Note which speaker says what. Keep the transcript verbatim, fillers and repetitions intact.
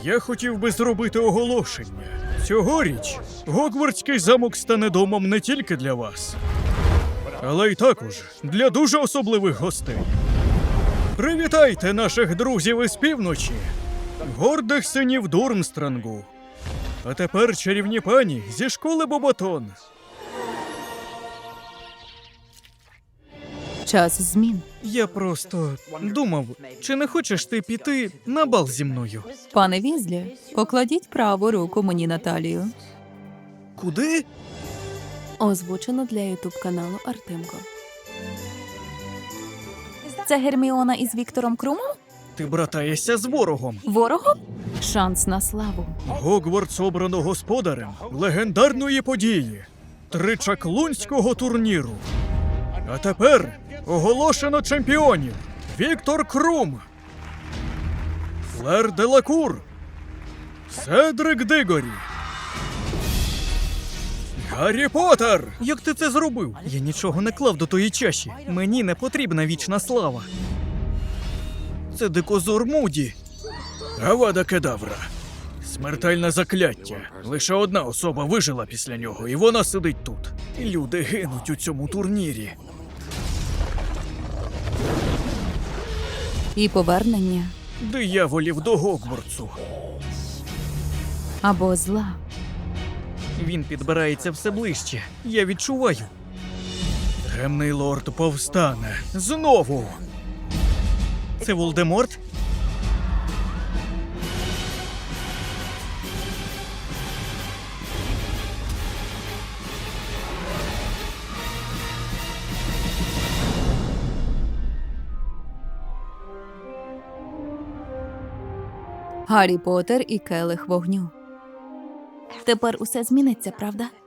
Speaker 1: Я хотів би зробити оголошення. Цьогоріч Гогвартський замок стане домом не тільки для вас, але й також для дуже особливих гостей. Привітайте наших друзів із півночі, гордих синів Дурмстрангу. А тепер чарівні пані зі школи Боботон.
Speaker 2: Час змін.
Speaker 1: Я просто думав, чи не хочеш ти піти на бал зі мною?
Speaker 2: Пане Візлі, покладіть праву руку мені на талію.
Speaker 1: Куди?
Speaker 2: Озвучено для ютуб каналу Артемко. Це Герміона із Віктором Крумом?
Speaker 1: Ти братаєшся з ворогом.
Speaker 2: Ворогом? Шанс на славу.
Speaker 1: Гогвартс обрано господарем легендарної події – тричаклунського турніру. А тепер оголошено чемпіонів: Віктор Крум, Флер Делакур, Седрик Дигорі, Гаррі Поттер! Як ти це зробив? Я нічого не клав до тої чаші. Мені не потрібна вічна слава. Це дикозор Муді. Авада Кедавра. Смертельне закляття. Лише одна особа вижила після нього, і вона сидить тут. Люди гинуть у цьому турнірі.
Speaker 2: І повернення
Speaker 1: Дияволів до Гогвартсу.
Speaker 2: або зла.
Speaker 1: Він підбирається все ближче. Я відчуваю. Темний лорд повстане. Знову. Це Волдеморт?
Speaker 2: Гаррі Поттер і келих вогню. Тепер усе зміниться, правда?